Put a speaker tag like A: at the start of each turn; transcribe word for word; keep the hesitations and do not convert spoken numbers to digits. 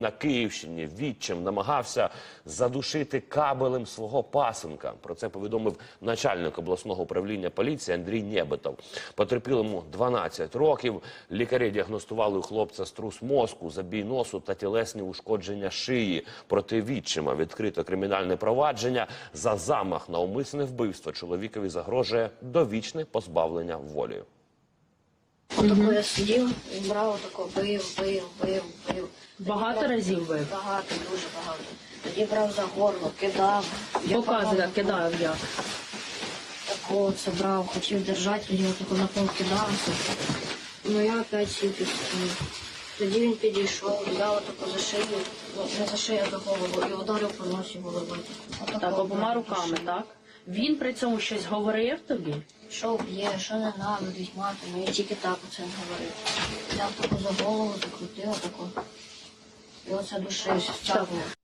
A: На Київщині відчим намагався задушити кабелем свого пасенка. Про це повідомив начальник обласного управління поліції Андрій Нєбетов. Потерпілому дванадцять років. Лікарі діагностували у хлопця струс мозку, забій носу та тілесні ушкодження шиї. Проти відчима відкрито кримінальне провадження. За замах на умисне вбивство чоловікові загрожує довічне позбавлення волі.
B: Отако я сидів, і брав отако, бив, бив, бив, бив.
C: Багато разів бив?
B: Багато, дуже багато. Тоді брав за горло, кидав.
C: Показує, кидав як.
B: Тако це брав, хотів держати, тоді отако на пол кидався. Ну я опять сів під стіну. Тоді він підійшов, взяв отако за шию, ну не за шию, а за голову, і ударив по носі голови.
C: Так, обома руками, так? Він при цьому щось говорив тобі?
B: Що б'є, що не навидить матом, я тільки так оце говорив. Взяв таку за голову, закрутив отако. І оце душився, стягнув.